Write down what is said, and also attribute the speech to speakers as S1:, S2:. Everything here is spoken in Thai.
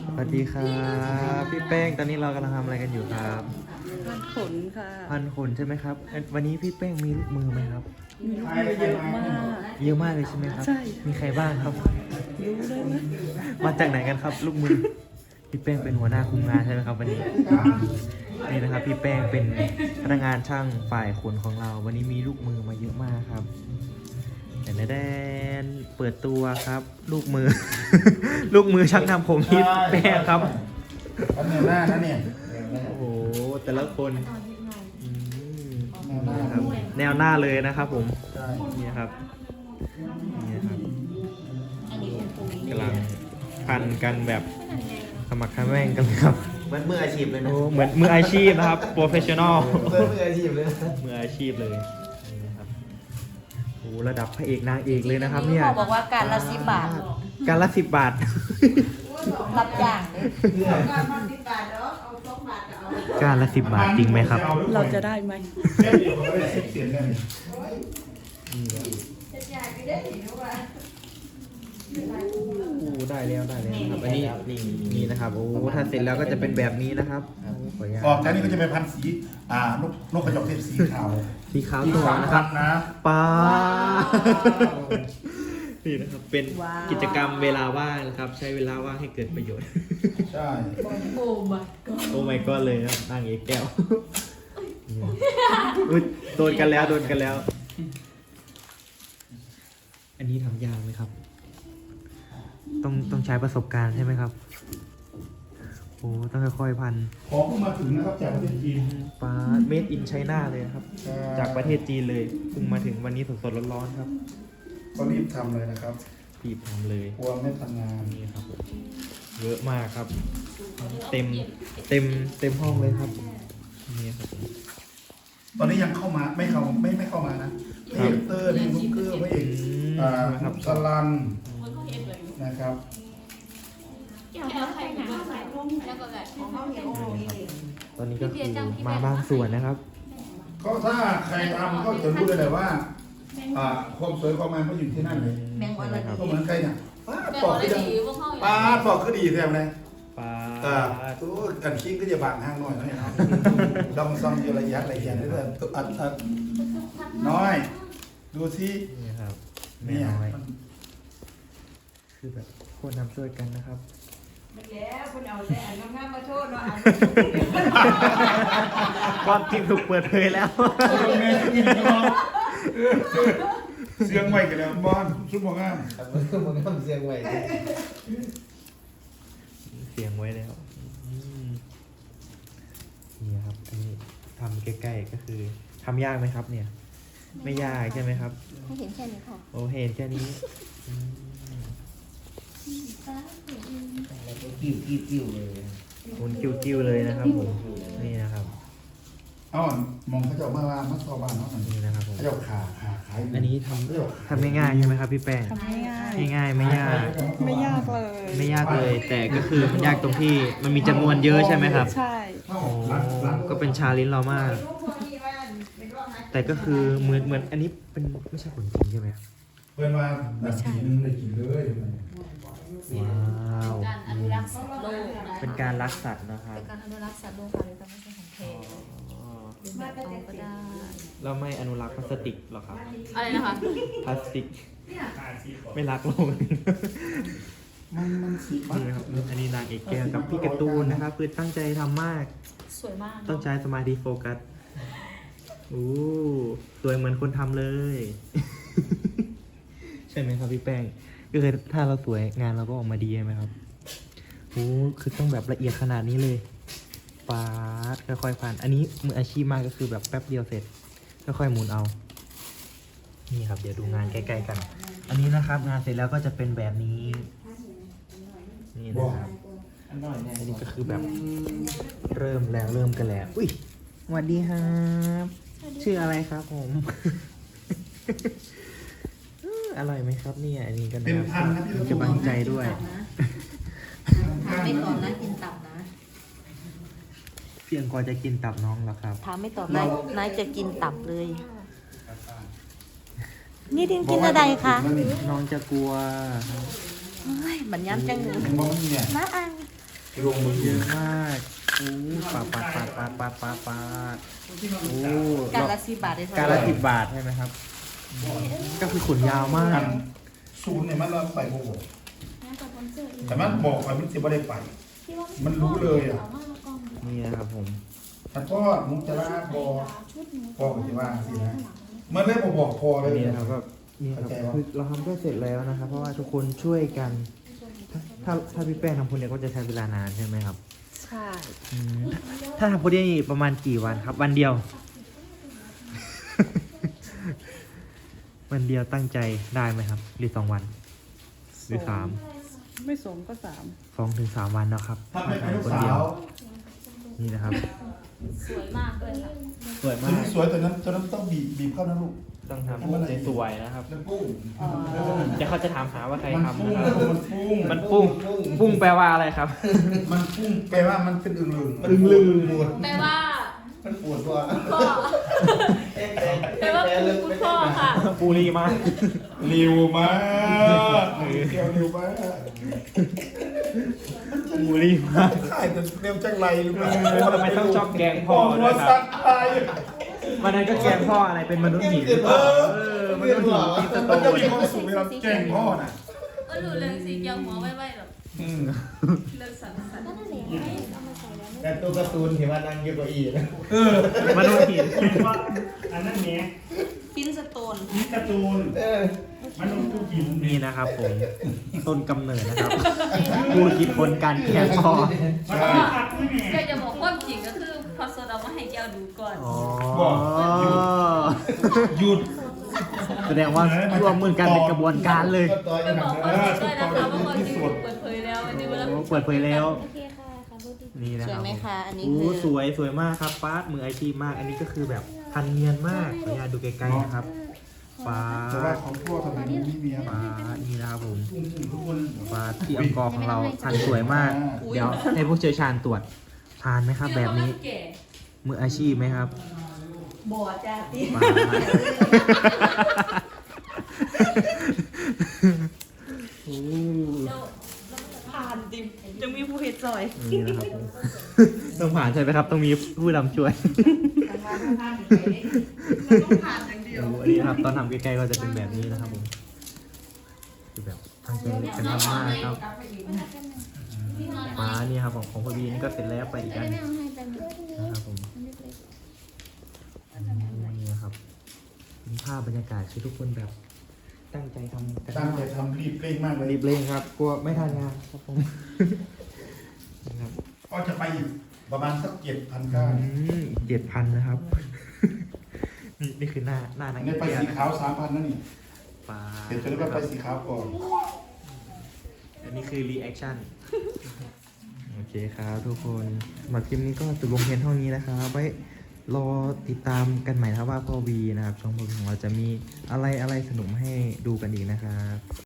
S1: สวัสดีครับพี่แป้งตอนนี้เรากำลังทำอะไรกันอยู่ครับ
S2: พันขนค่ะ
S1: พันขนใช่ไหมครับวันนี้พี่แป้งมีลูกมือไหมครับ
S2: มีลูกมือเยอะมาก
S1: เยอะมากเลยใช่ไหมครับ
S2: ใช่
S1: มีใครบ้างครับ
S2: รู้ได้ไหม
S1: มาจากไหนกันครับ ลูกมือพี่แป้งเป็นหัวหน้าคุมงานใช่ไหมครับวันนี้นี่นะครับพี่แป้งเป็นพนักงานช่างฝ่ายขนของเรา วันนี้มีลูกมือมาเยอะมากครับแต่แดนเปิดตัวครับ ลูกมือ ลูกมือช่างทำผมพี่แป้งครับ
S3: อันแนวหน้านะเนี่ย
S1: โอ้โหแต่ละคนอืม
S3: แนวหน้า
S1: ครับแนวหน้าเลยนะครับผม
S3: ใช่
S1: นี่ครับนี่ครับกำลังพันกันแบบขมักเขม้งกันเลยครับ
S4: เหมือนมืออาชีพเลยนะ
S1: โอ้เหมือนมืออาชีพนะครับโปรเฟชชั่นอล
S4: เหมือนมืออาชีพเลย
S1: มืออาชีพเลยนี่นะครับโอ้ระดับพระเอกนางเอกเลยนะครับเนี่ย
S5: เขาบอกว่าการละ10 บาท
S1: การละ10 บาท
S5: รับอย่างเลย
S1: การละ10 บาทจริงไหมครับ
S2: เราจะได้ไหม
S3: เส้นเดียวก็ได้เสียงกัน
S1: โอ้ได้แล้วนะครับอันนี้นี่นะครับโอ้ถ้าเสร็จแล้วก็จะเป็นแบบนี้นะครับขออนุญาต
S3: ออกจากนี้ก็จะไปพันสีนกกระจอกเทศสีขาว
S1: สีขาวต่อนะครับ
S3: นะ
S1: ป้านี่นะครับเป็นกิจกรรมเวลาว่างนะครับ ใช้เวลาว่างให้เกิดประโยชน์
S3: ใช่
S1: โอ้ my god เลยครับนางเอกแก้วอุ๊ยโดนกันแล้ว อันนี้ทำยากไหมครับ ต้องใช้ประสบการณ์ใช่ไหมครับโอ้ต้องค่อยๆพัน
S3: ของเพิ่งมาถึงนะครับจากประเทศจีน
S1: ปลาเมดอินไชน่าเลยนะครับ จากประเทศจีนเลยเพิ่งมาถึงวันนี้สดๆร้อนๆครับ
S3: ก็รีบทำเลยนะครับ
S1: รีบทำเลย
S3: กลัวไม่ทันงาน
S1: นี่ครับผมเยอะมากครับ เต็มห้องเลยครับนี่ครับผม
S3: ตอนนี้ยังเข้ามาไม่เข้ามานะพระเอกเตอร์นี่ลูกเกอร์พระเอกสลันนะครับ
S1: ตอนนี้ก็คือมาบางส่วนนะครับ
S3: ก็ถ้าใครทำก็จะรู้ได้เลยว่าความสวยความงามก็อยู่ที่นั่นเลย
S5: แมงวันละ
S3: ก็เหมือนใครเนี่ยปอกก็ยังปอกก็ดีแถมเลย
S1: ปลา
S3: ตัวอันคิงก็จะบางห้างหน่อยนะเนาะลองซองอยู่ระยะเรื่อยๆตัวอัดน้อย ดูที่
S1: นี่ครับแม่
S3: เนี่ย
S1: น้อยคือแบบคนทำช่วยกันนะครับ
S5: แล้วคุณเอาแต่อันงามมาโชว์เนาะ
S1: ความจริงถูกเปิดเผยแล้ว
S3: เสียงใหม่กันแล้วบอลชุดมองงาม
S4: มันก็ทำเสียงไว้
S1: เสียงไว้แล้วนี่ครับอันนี้ทำใกล้ๆก็คือทำยากไหมครับเนี่ย ไม่ยากใช่ไหมครับ
S5: ให้เห็นแค่นี้ค่ะ
S1: โอ้เห็นแค่นี้อืม
S4: กิ้วเลย
S1: หมุนกิ้วๆเลยนะครับผมนี่นะครับ
S3: เอามองเขาจะมาว่ามัสซอบานเนาะ
S1: นี่นะครับผม
S3: เขาจะขาขาย
S1: อันนี้ทำง่ายๆใช่ไหมครับพี่แป้ง
S2: ทำง่าย
S1: ง่ายๆไม่ยาก
S2: ๆไม่ยากเลย
S1: ไม่ยากเลย แต่ก็คือมันยากตรงที่มันมีจำนวนเยอะใช่ไหมครับ
S2: ใช่
S1: โอ้ก็เป็นชาเลนจ์เรามาก แต่ก็คือเหมือนอันนี้เป็นไม่ใช่ผลจริงใช่ไหมครับ
S3: เพื่อนว่าไม่ใช่นึงได้กินเลย
S1: ว้าว
S5: การอนุรักษ์สัตว์โลก
S1: เป็นการรักสัตว์นะครับ
S5: เป็นการอนุรักษ์สัตว์โลกค่ะหรือการไม่ใช่ของแท้
S1: อ๋อ
S5: หรือแบบเอาก็ได้
S1: เราไม่อนุรักษ์พลาสติกหรอครับ
S5: อะไรนะคะ
S1: พลาสติกไม่รักโลก
S3: มันสีมัน
S1: นี่นะครับอันนี้นางเอกแก้วกับพี่การ์ตูนนะครับคือตั้งใจทำมาก
S5: สวยมาก
S1: ต้องใช้สมาธิโฟกัสอู้สวยเหมือนคนทำเลย ใช่ไหมครับพี่แป้งก็คือถ้าเราสวยงานเราก็ออกมาดีใช่ไหมครับโอ้คือต้องแบบละเอียดขนาดนี้เลยปาดค่อยๆพันอันนี้มืออาชีพมากก็คือแบบแป๊บเดียวเสร็จค่อยๆหมุนเอา นี่ครับ เดี๋ยวดูงานใกล้ๆกัน อันนี้นะครับ งานเสร็จแล้วก็จะเป็นแบบนี้ นี่นะครับ อันนี้ก็คือแบบเริ่มกันแล้ว อุ้ยสวัสดีครับ ชื่ออะไรครับผม อร่อยไหมครับเนี่ย อันนี้ก็
S3: เป็นพันนะพี่
S1: จะบังใจด้วย
S5: ถามไม่ตอบนะกินตับนะ
S1: เพียงพอจะกินตับน้องแล้วครับ
S5: ถามไม่ตอบนายจะกินตับเลย นี่ดินกินอะไรคะ
S1: น้องจะกลัว
S5: เฮ้ยบัญญัติจังเลย
S3: มองเนี่ย
S5: น้าอัง
S3: ลงมือ
S1: เยอะมากโอ้ปาโอ้
S5: การละ10 บาทได้เท่า
S1: การ
S5: ไห
S1: ละ
S5: ร่
S1: 10 บาทใช่ไหมครับ ก็คือขนยาวมา
S3: อั
S1: ก
S3: นศูนย์เนี่ยมันเราไปโอ้โหแต่มันบอกไปมันจะไม่ได้ไป มันรู้เลยอ่ะ
S1: นี่นะครับผม
S3: แต่ก็มุกจะลาบอกพ่อก็จะว่าสินะมันเลยบอกพอเลย
S1: นี่นะครับก็นี่ครับคือเราทำก็เสร็จแล้วนะครับ เพราะว่าทุกคนช่วยกัน ถ้าพี่แป้งทำคนเดียวก็จะใช้เวลานานใช่ไหมครับ
S2: ใช่
S1: อืมถ้าทำคนเดียวนี่ประมาณกี่วันครับ วันเดียว วันเดียวตั้งใจได้ไหมครับ หรือ2 วัน หรือ3
S2: ไม่สมก็
S1: 2 ถึง 3 วันเนาะครับ
S3: ถ้าไม่เป็นลูก
S1: คน
S3: สา
S1: เดียว
S3: ว
S1: นี่นะครับ
S5: สวยมากเลยค่ะ
S1: สวย
S3: ตั
S1: มาว ก
S3: นี้สวยแต่นั้นต้องบีบเข้านะลูก
S1: ต้องทำสวยๆนะครับ
S3: แล้วปุ้ง
S1: เดี๋ยวเขาจะถามหาว่าใคร
S3: มัน
S1: ทำ
S3: ปุ้ง
S1: นะครับ
S3: มันปุ้ง
S1: ปุ้งแปลว่าอะไรครับ
S3: มันปุ้งแปลว่ามันเป็นอึ่งลึง
S4: มันลืมหมด
S5: แปลว่า
S4: มันปวดตัว
S5: พ่อแปลว่าคุณพ่อค่ะ
S1: ปูรีมาก
S3: ริวมากเกี่ยวริวมาก
S1: ปูรีมาก
S3: ขายแต่เร็วจังไรหรือเปล่า
S1: ทำไมต้องชอบแกงพ่อ
S3: หั
S1: ด้
S3: ว
S1: วยค
S3: สั
S1: รับ
S3: ตว์ตาย
S1: วันนั้นก็แกงพ่ออะไรเป็นมนุษย์หินมนุษย์หินตีสโต
S3: มันจะ
S1: น
S3: มีความสุขเวลาแกล้งพ่อน่ะ
S5: ก็รู้เรื่องสีเกี่ยวหัวไว้แบบ
S3: อืม
S5: เรื่องสัน
S4: แต่ตัวการ์ตูนเห็นว่านั่งเยอะกว่าอีกนะ
S1: มนุษย์หิน
S6: ว่าอันนั้นเนี้ย
S5: ฟินสโตน
S6: นี่การ์ตูนมันลงทุกหิน
S1: นี่นะครับผมต้นกำเนิดนะครับผู้คิดคนการแกงพ่อ
S6: มันต้องอัดไม่แหม่
S5: แกจะบอกความจริงก็คือพอโซดามาให้แก้วดูก่อน
S1: อ๋อ
S3: หยุด
S1: แสดงว่าร่วมมือกันเป็นกระบวนการเลย
S4: ก็ต่อย
S5: ไป
S4: กัน
S5: บอกความจริงด้วยนะคะว่าความจริงเปิดเผยแล้ววันนี้เวลา
S1: เปิดเผยแล้ว
S7: โอเคค่ะค่ะพูดดี
S1: นี่นะ
S5: ส
S1: คว รับ
S5: ยไหมคะอันนี้
S1: โอ้
S5: คือ
S1: สวยมากครับป้าดมืออาชีพมาก อันนี้ก็คือแบบพันเนียนมากขออนุญาตดูไกลๆนะครับป้า
S3: แต่ว่า
S1: ด
S3: ของพ่อทำไมมันไม่มีอะไร
S1: ป้าดนี่นะครับผม
S3: ทุกคน
S1: ป้าดที่อังกอร์ของเราพันสวยมาก เดี๋ยวให้ผู้เชี่ยวชาญตรวจผ่านไหมครับแบบนี้
S5: แก่
S1: มืออาชีพไหมครับ
S5: บ่จ้าตี
S1: ป้าดโอ้
S5: ผ่านดิมจะมีผู้เฮ็ดซอย
S1: นี่นะครับผมต้องผ่านใช่ไหมครับ ต้องมีผู้นำช่วย
S5: ต้องผ่านอย่างเดียว
S1: โอ้อันนี้นะครับตอนทำใกล้ๆก็จะเป็นแบบนี้นะครับผมคือแบบตั้งใจกันทำมากครับฟ้านี่ครับของพ่อบีนี่ก็เสร็จแล้วไปอีก
S7: ๆ
S1: อัน
S7: ไม่เอาให้ไปหมด
S1: นะครับผมนี่นะครับเป็นภาพบรรยากาศคือทุกคนแบบตั้งใจทำกัน
S3: ตั้งใจทำรีบเร่งมากเลย
S1: รีบเร่งครับกลัวไม่ทันงานครับผมนะครับ
S3: ก็จะไปอีกประมาณสัก7,900
S1: 7,000นะครับ นี่คือหน้านาง
S3: นี่ไป
S1: เอก
S3: สี
S1: นะ
S3: ขาว 3,000นั่นนี่
S1: ฟ้า
S3: เดี๋ยวจะได้ไปสีขาวก่อน
S1: อันนี้คือรีแอคชั่น โอเคครับทุกคนสำหรับคลิปนี้ก็จบลงเพียงเท่านี้นะครับไว้รอติดตามกันใหม่นะครับว่าพ่อวีนะครับช่องพ่อวีของเราจะมีอะไรสนุกมาให้ดูกันอีกนะครับ